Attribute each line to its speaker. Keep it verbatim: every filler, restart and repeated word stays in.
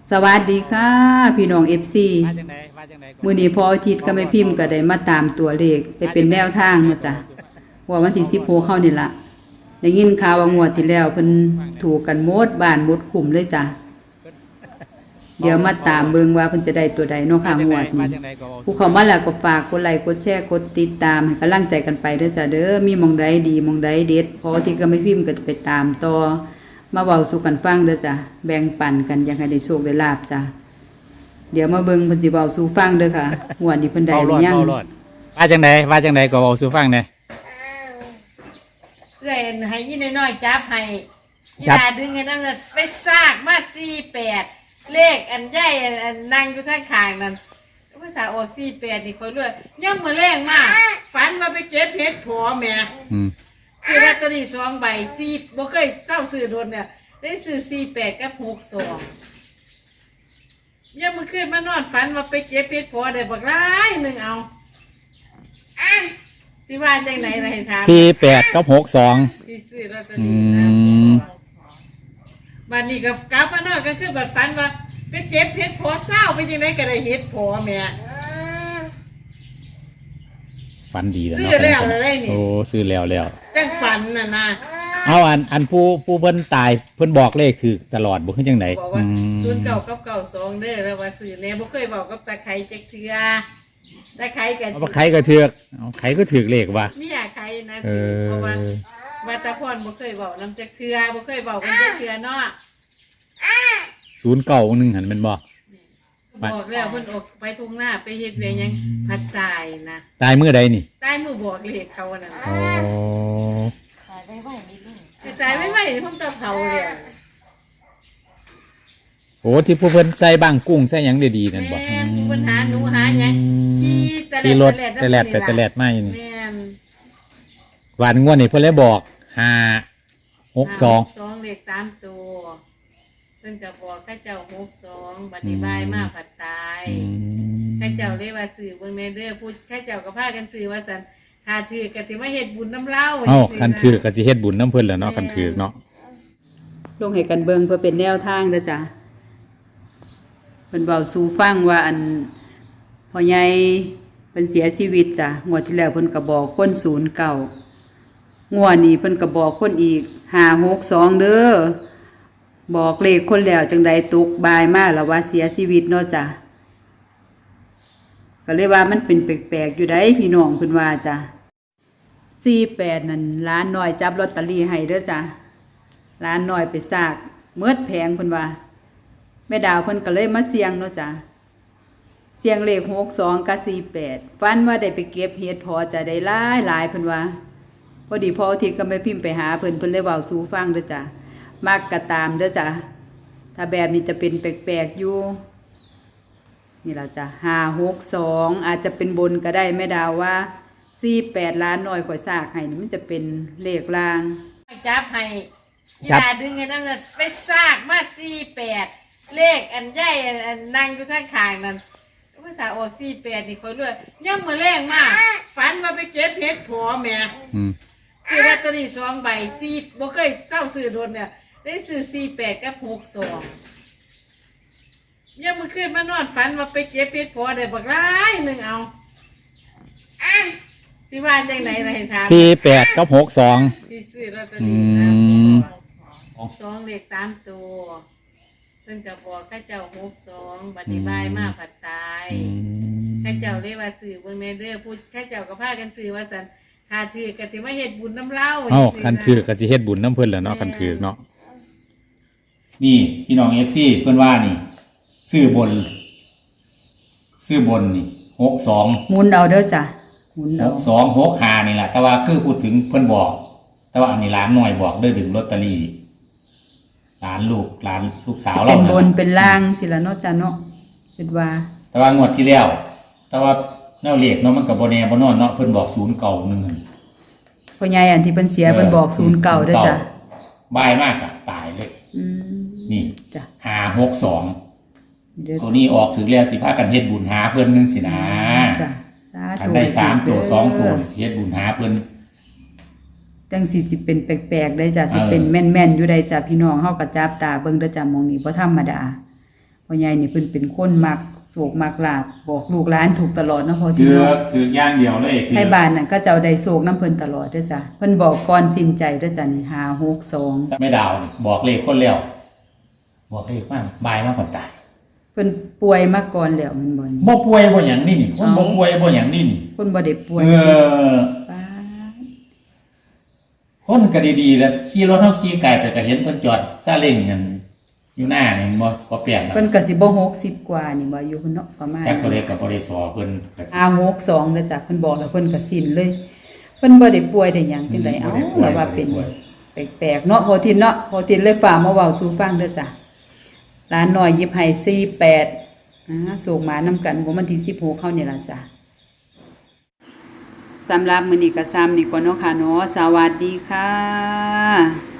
Speaker 1: สวัสดีค่ะพี่น้อง เอฟ ซี มื้อนี้พออาทิตย์ก็ไม่พิมพ์ก็ได้มาตามตัวเลขไปเป็นแนวทางเนาะจ้ะว่าวันที่สิบหกเข้านี่ล่ะได้ยินข่าวว่างวดที่แล้วเพิ่นถูกกันหมดบ้านหมดคุ้มเลยจ้ะเดี๋ยวมาตามเบิ่งว่าเพิ่นจะได้ตัวใดเนาะค่ะงวดนี้ผู้เข้ามาแล้วก็ฝากกดไลค์กดแชร์กดติดตามให้กำลังใจกันไปเด้อจ้ะเด้อมีหม่องใดดีหม่องใดเด็ดพออาทิตย์ก็ไม่พิมพ์ก็จะไปตามต่อมาเว้าสู่กันฟังเด้อจ้ะแบ่งปันกันอยากให้ได้โชคได้ลาภจ้ะเดี๋ยวมาเบิ่งเพิ่นสิเว้าสู่ฟังเด้อค่ะงวดนี้เพิ่นได้หรือยัง
Speaker 2: ว่าจังไดว่าจังไดก็เว้าสู่ฟังแหน่
Speaker 3: เอื้อยให้ยี่น้อยๆจับให้ยีดาดึงให้น้ำน่ะไปซากมาสี่แปดเลขอันใหญ่อันนั่งอยู่ทางข้างนั่นภาษาออกสี่แปดนี่ค่อยรวยย่ำมือแรงมากฝันว่าไปเก็บเห็ดผัวแม่คือลอตเตอรี่สองใบสี่บ่เคยเจ้าซื้อโดนเนี่ยได้ซื้อสี่แปดกับหกสองย่ำมือขึ้นมานอนฝันว่าไปเก็บเห็ดผัวได้บักร้ายหนึ่งเอาสิว่าจังไหนล่ะให้ถาม
Speaker 2: สี่แปดกับหกสอง
Speaker 3: ที่ซื้อลอตเตอรี่นะบัดนี้ก็กลับมานอนก็คือบัดฝันว่าไปเก็บเห็ดผัวเศร้าไปจังไหนก็ได้เห็ดผัวแม่
Speaker 2: ฝันดีแล้ว
Speaker 3: ซื้อ
Speaker 2: เนาะ
Speaker 3: แล้วได้นี่
Speaker 2: โอ้ซื้อแล้วแล้ว
Speaker 3: จังฝันน่ะนะ
Speaker 2: เอาอันอันผู้ผู้เพิ่นตายเพิ่นบอกเลขถูกตลอดบ่คือจังได๋
Speaker 3: บอกว่าศูนย์เก้ากับเก้าสองเด้อแล้วว่าซื้อแน่บ่เคยบอกกับตาไข่จักเทื่อตาไข่กัน
Speaker 2: เอาไข่ก็ถูกเอาไข่ก็ถูกเลขว่ะ
Speaker 3: มีหาไข่นะเพราะว่าว่าตาพรบ่เคยบอกนำจักเทื่อบ่เคยบอกกันจักเทื่อเนาะ
Speaker 2: ศูนย์เก้าหนึ่งหั่นแม่นบ่
Speaker 3: บอกแล้วเพิ่นออกไปทุ่งนาไปเฮ็ดเวียงยังพัดตายนะ
Speaker 2: ตายมื้อใดนี่
Speaker 3: ตายมื้อบอกเลขเขานั่น
Speaker 2: อ๋อ
Speaker 3: ตายไม่ไหวนิดนึงตายไม่ไหวนี่เพิ่นตาเผาเลย
Speaker 2: โอ้ที่ผู้เพิ่นใส่บ้างกุ้งใส่หยังดีๆนั่นบ่
Speaker 3: แม่นผู้เพิ่นหาหนูหาหยังขี่ตะแลด
Speaker 2: ขี่รถตะแลดไปตะแลดมาอยู่นี่
Speaker 3: แม่น
Speaker 2: วันงวดนี่เพิ่นเลยบอกห้า หก สอง
Speaker 3: สองเลขสามตัวเพิ่นก็บอกข้าเจ้าหกสองบัดนี้บายมาผัดตายข้าเจ้าเรียกว่าสื่อเบิ่งในเด้อพูดข้าเจ้าก็พากันสื่อว่าซั่นถ้าถือก็สิมาเฮ็ดบุญน้ำเล่า
Speaker 2: เอ้าคันถือก็สิเฮ็ดบุญน้ำเพิ่นแหละเนาะคันถือเนาะ
Speaker 1: ลงให้กันเบิ่งเพื่อเป็นแนวทางเด้อจ้ะเพิ่นเว้าสู่ฟังว่าอันพ่อใหญ่เพิ่นเสียชีวิตจ้ะงวดที่แล้วเพิ่นก็บอกคนศูนย์เก้างวดนี้เพิ่นก็บอกคนอีกห้า หก สองเด้อบอกเลขคนแล้วจังใดตกบายมาแล้วว่าเสียชีวิตเนาะจ้ะก็เลยว่ามันเป็นแปลกๆอยู่ได้พี่น้องเพิ่นว่าจ้ะสี่แปดนั่นร้านน้อยจับลอตเตอรี่ให้เด้อจ้ะร้านน้อยไปซากเมิดแพงเพิ่นว่าแม่ดาวเพิ่นก็เลยมาเสี่ยงเนาะจ้ะเสี่ยงเลขหกสองกับสี่แปดฝันว่าได้ไปเก็บเห็ดพอจะได้หลายหลายเพิ่นว่าพอดีพออาทิตย์ก็ไม่พิมพ์ไปหาเพิ่นเพิ่นเลยเว้าสู่ฟังเด้อจ้ะมักกะตามเด้อจ้ะถ้าแบบนี้จะเป็นแปลกๆอยู่นี่ล่ะจ้ะห้า หก สองอาจจะเป็นบนก็ได้แม่ดาวว่าสี่แปดล้านน้อยข่อยซากให้นี่มันจะเป็นเลขล่าง
Speaker 3: จับให้ยีดาดึงให้น้ำน่ะไปซากมาสี่แปดเลขอันใหญ่อันนั่งอยู่ทางข้างนั่นภาษาออกสี่แปดนี่ค่อยรวยย่ำมื้อแรงมากฝันว่าไปเก็บเห็ดผัวแม่คือลอตเตอรี่สองใบสี่บ่เคยเจ้าซื้อโดนเนี่ยได้ซื้อสี่แปดกับหกสองย่ำมื้อคืนมานอนฝันว่าไปเก็บเห็ดผัวได้บักร้ายหนึ่งเอาสิว่าจังไหนล่ะให้ถาม
Speaker 2: สี่แปดกับหกสอง
Speaker 3: ที่ซื้อลอตเตอรี่นะสองเลขสามตัวเพิ่นก็บอกข้าเจ้าหกสองบัดนี้บายมาผัดตายข้าเจ้าเรียกว่าสื่อเบิ่งในเด้อพูดข้าเจ้าก็พากันสื่อว่าซั่นถ้าถือก็สิมาเฮ็ดบุญน้ำเล่า
Speaker 2: เอ้าคันถือก็สิเฮ็ดบุญน้ำเพิ่นแหละเนาะคันถือเนาะนี่พี่น้อง เอฟ ซี เพิ่นว่านี่ซื้อบนซื้อบนนี่หกสอง
Speaker 1: หมุนเอาเด้อจ้ะหมุนเอา
Speaker 2: หกสอง หกห้านี่แหละแต่ว่าคือพูดถึงเพิ่นบอกแต่ว่าอันนี้ร้านน้อยบอกเด้อดึงลอตเตอรี่ร้านลูกร้านลูกสาวเรา
Speaker 1: เป็นบนเป็นล่างสิละเนาะจ้ะเนาะเป็นว่า
Speaker 2: แต่ว่างวดที่แล้วแต่ว่าแนวเลขเนาะมันก็บ่แน่บ่นอนเนาะเพิ่นบอกศูนย์เก้าหนึ่ง
Speaker 1: พ่อใหญ่อันที่เพิ่นเสียเพิ่นบอกศูนย์เก้าเด้อจ้ะ
Speaker 2: บายมากอ่ะตายเลย
Speaker 1: อืม
Speaker 2: นี่
Speaker 1: จ้ะ
Speaker 2: ห้า หก สองตัวนี้ออกถึงแล้วสิพากันเฮ็ดบุญหาเพิ่นนึงสินะ
Speaker 1: จ้ะสาธุ
Speaker 2: ได้สามตัวสองตัวสิเฮ็ดบุญหาเพิ่น
Speaker 1: จังสิสิเป็นแปลกๆได้จ้ะสิเป็นแม่นๆอยู่ได้จ้ะพี่น้องเฮาก็จับตาเบิ่งเด้อจ้ะหม่องนี้บ่ธรรมดาพ่อใหญ่นี่เพิ่นเป็นคนมักโศกมักลาบบอกลูกหลานถูกตลอดเนาะพ่อ
Speaker 2: ถื
Speaker 1: ที่
Speaker 2: อ
Speaker 1: เนาะ
Speaker 2: ถือย่างเดียวเลยถือ
Speaker 1: ให้บ้านนั่นเขาเจ้าได้โศกน้ำเพิ่นตลอดเด้อจ้ะเพิ่นบอกก่อนสิ้นใจเด้อจ้ะนี่ห้าหกสอง
Speaker 2: ไม่ดาวนี่บอกเลขคนแล้วบอกเลขว่าบายมากกว่าตาย
Speaker 1: เพิ่นป่วยมาก่อนแล้วแมันบ่นี่
Speaker 2: บ่ป่วยบ่หยังนี่นี่คนบ่ป่วยบ่หยังนี่นี่
Speaker 1: เพิ่นบ่ได้ป่วย
Speaker 2: เออ
Speaker 1: ป้าด
Speaker 2: คนก็ดีๆแล้วขี่รถเฮาขี่ไกลไปก็เห็นเพิ่นจอดซาเล้งกันอยู่หน้านี่บ่บ่เปลี่ยนนะ
Speaker 1: เพิ่นก็สิบ่หกสิบกว่านี่บ่อยู่เพิ่นเนาะประมาณ
Speaker 2: แค่ตัวเลขก็บ่ได้สอเพิ่นก็สิ
Speaker 1: ห้าหกสองเด้อจ้ะเพิ่นบอกแล้วเพิ่นก็สิ้นเลย เพิ่นบ่ได้ป่วยได้หยังจังได๋เอ้าแล้วว่าเป็นแปลกๆเนาะพอทินเนาะพอทินเลยฝากมาเว้าสู่ฟังเด้อจ้ะร้านน้อยหยิบให้สี่แปดอ่าส่งมานำกันของวันที่สิบหกเข้านี่ล่ะจ้ะสำหรับมื้อนี้ก็ซ้ำนี่ก่อนเนาะค่ะเนาะสวัสดีค่ะ